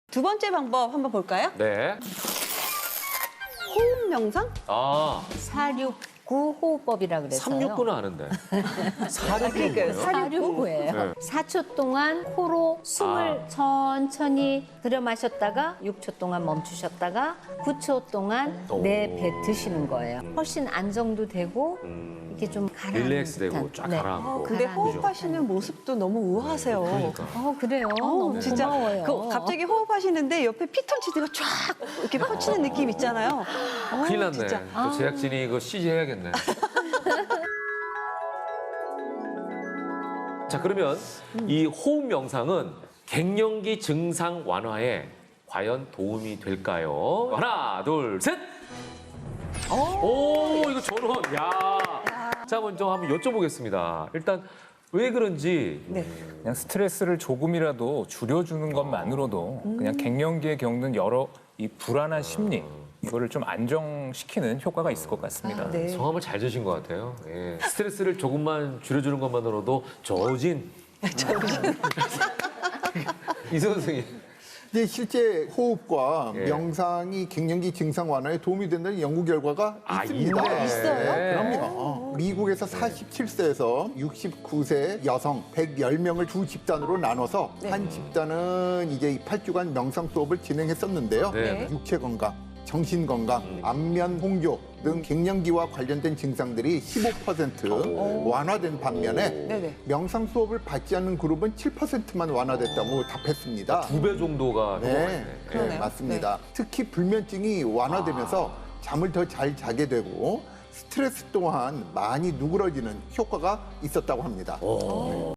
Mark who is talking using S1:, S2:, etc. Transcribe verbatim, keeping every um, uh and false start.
S1: 두 번째 방법 한번 볼까요?
S2: 네.
S1: 호흡 명상?
S2: 아,
S3: 사육구 호흡법이라 그래서요.
S2: 삼육구는 아는데. 사육구는
S1: 그러니까요.
S2: 뭐예요?
S3: 사육구예요.
S2: 네.
S3: 사 초 동안 코로 숨을
S2: 아.
S3: 천천히 들여 마셨다가 육 초 동안 멈추셨다가 구 초 동안
S2: 오.
S3: 내뱉으시는 거예요. 훨씬 안정도 되고
S2: 음,
S3: 이렇게 좀 가라앉는
S2: 릴렉스 되고
S3: 듯한.
S2: 쫙
S3: 네.
S2: 가라앉고.
S1: 어, 근데
S3: 가라앉고.
S1: 호흡하시는 모습도 너무 우아하세요.
S2: 그러니까.
S3: 어 그래요.
S1: 어,
S3: 너무
S1: 진짜
S3: 고마워요.
S1: 그 갑자기 호흡하시는데 옆에 피톤치드가 쫙 이렇게 뻗치는 느낌 있잖아요. 어,
S2: 큰일 났네.
S1: 진짜.
S2: 또 제작진이 이거 씨지 해야겠네. 자, 그러면 이 호흡 명상은 갱년기 증상 완화에 과연 도움이 될까요? 하나, 둘, 셋! 오, 이거 전원. 야. 자, 먼저 한번 여쭤보겠습니다. 일단 왜 그런지.
S1: 네.
S4: 그냥 스트레스를 조금이라도 줄여주는 것만으로도 그냥 갱년기에 겪는 여러 이 불안한 심리 이거를 좀 안정시키는 효과가 있을 것 같습니다.
S1: 아, 네.
S2: 성함을 잘 주신 것 같아요. 예. 스트레스를 조금만 줄여주는 것만으로도 저진. 이승훈 선생님.
S5: 이제 실제 호흡과
S2: 예.
S5: 명상이 갱년기 증상 완화에 도움이 된다는 연구 결과가
S2: 아,
S5: 있습니다.
S2: 있네.
S1: 있어요?
S2: 네.
S5: 그럼요. 미국에서 사십칠 세에서 육십구 세 여성 백십 명을 두 집단으로 나눠서
S1: 네.
S5: 한 집단은 이제 이 팔 주간 명상 수업을 진행했었는데요.
S2: 네.
S5: 육체 건강, 정신 건강, 안면 홍조 등 갱년기와 관련된 증상들이 십오 퍼센트 완화된 반면에
S1: 네네.
S5: 명상 수업을 받지 않는 그룹은 칠 퍼센트만 완화됐다고 답했습니다.
S2: 두 배 정도가 효과가
S5: 네,
S2: 있네.
S5: 네,
S1: 그러네요.
S5: 맞습니다. 특히 불면증이 완화되면서 잠을 더 잘 자게 되고 스트레스 또한 많이 누그러지는 효과가 있었다고 합니다.
S2: 오.